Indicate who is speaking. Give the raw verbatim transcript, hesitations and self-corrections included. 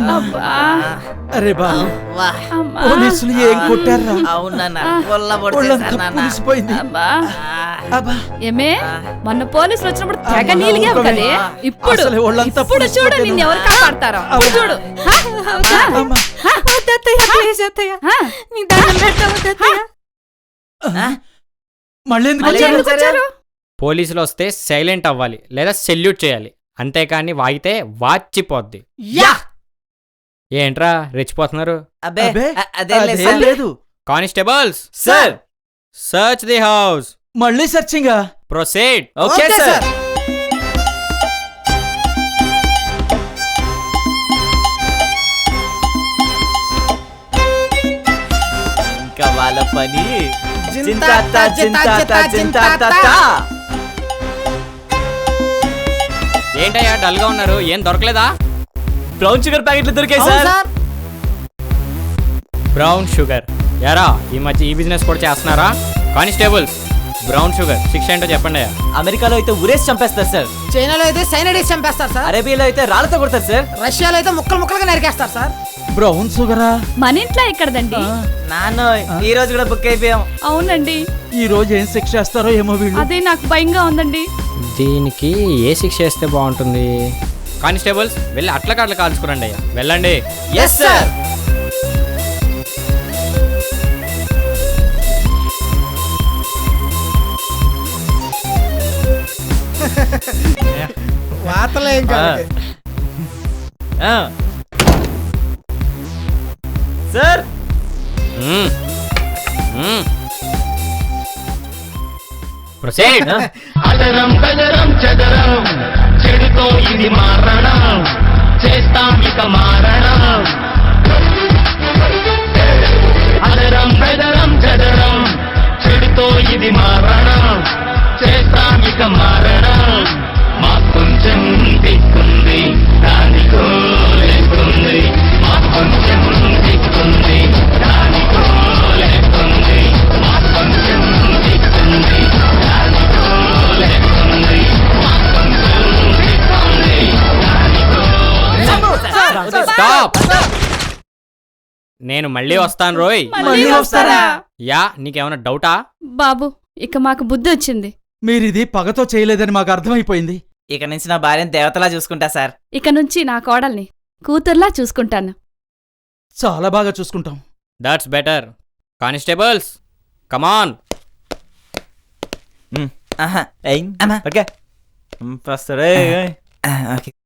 Speaker 1: అరే బాబు పోలీసులు ఏం కొట్టారా? పులిసిపోయింది.
Speaker 2: ఏమే మొన్న పోలీసులు వచ్చినప్పుడు తెగ నీలిగావు కదే, ఇప్పుడు ఇప్పుడు చూడు నిన్ను ఎవరు కాపాడతారో చూడు.
Speaker 1: మళ్ళీ ఎందుకు వచ్చారు?
Speaker 3: పోలీసులు వస్తే సైలెంట్ అవ్వాలి లేదా సెల్యూట్ చేయాలి, అంతేకాని వాగితే వాచిపోద్ది. ఏంట్రా రెచ్చిపోతున్నారు?
Speaker 1: లేదు.
Speaker 3: Constables sir, search the house.
Speaker 1: మళ్ళీ సర్చింగ్.
Speaker 3: ప్రొసీడ్.
Speaker 1: Okay sir.
Speaker 4: ఇంకా వాళ్ళ పని
Speaker 3: ఏంటయ్యా డల్ గా ఉన్నారు? ఏం దొరకలేదా?
Speaker 4: బ్రౌన్ షుగర్ ప్యాకెట్లు దొరికాయి సార్.
Speaker 3: బ్రౌన్ షుగర్ యారా, ఈ మధ్య ఈ బిజినెస్ కూడా చేస్తున్నారా? కానిస్టేబుల్స్, బ్రౌన్ షుగర్ శిక్ష ఏంటో చెప్పండి అయ్యా.
Speaker 4: అమెరికాలో అయితే ఉరేసి చంపేస్తారు సార్.
Speaker 5: చైనాలో అయితే సైనడేసి చంపేస్తారు సార్.
Speaker 4: అరేబియాలో అయితే రాళ్లతో కొడతారు సార్.
Speaker 5: రష్యాలో అయితే ముక్కలు ముక్కలుగా నరికేస్తారు సార్.
Speaker 1: బ్రౌన్ షుగరా?
Speaker 2: మన ఇంట్లో ఎక్కడదండి
Speaker 4: నాన్న, ఈ రోజు కూడా బుక్ అయిపోయాం.
Speaker 2: అవునండి.
Speaker 1: ఈ రోజు ఏం శిక్ష చేస్తారో ఏమో వీళ్ళు.
Speaker 2: అదే నాకు భయంగా ఉందండి.
Speaker 3: దీనికి ఏ శిక్ష వేస్తే బాగుంటుంది? కానిస్టేబుల్స్ వెళ్ళి అట్ల కాట్ల కాల్చుకురండి అయ్యా, వెళ్ళండి.
Speaker 4: Yes sir.
Speaker 5: వాతలేం కాదు
Speaker 4: సార్.
Speaker 3: ప్రొసీడ్.
Speaker 6: అదరం బదరం చదరం చెడుతో ఇది మారణం, చేస్తాం ఇక మారణం. అదరం బదరం చదరం చెడుతో ఇది మారణం, చేస్తాం ఇక మారణం. మా కొంచెం దిక్కుంది దానికో లేకుంది, మా కొంచెం దిక్కుంది దానికో లేకుంది, మా కొంచెం దిక్కుంది దానికో లేకుంది, మా కొంచెం దిక్కుంది దానికో.
Speaker 3: స్టాప్. నేను మళ్ళీ వస్తాను రోయ్.
Speaker 2: మళ్ళీ వస్తారా?
Speaker 3: యా, నీకేమైనా డౌటా?
Speaker 2: బాబు ఇక మాకు బుద్ధి వచ్చింది.
Speaker 1: మీరిది పగతో చేయలేదని మాకు అర్థమైపోయింది.
Speaker 4: ఇక నుంచి నా భార్యను దేవతలా చూసుకుంటా సార్.
Speaker 2: ఇక నుంచి నా కోడల్ని కూతుర్లా చూసుకుంటాను.
Speaker 1: చాలా బాగా చూసుకుంటాం.
Speaker 3: That's better. Constables come on.
Speaker 4: Okay.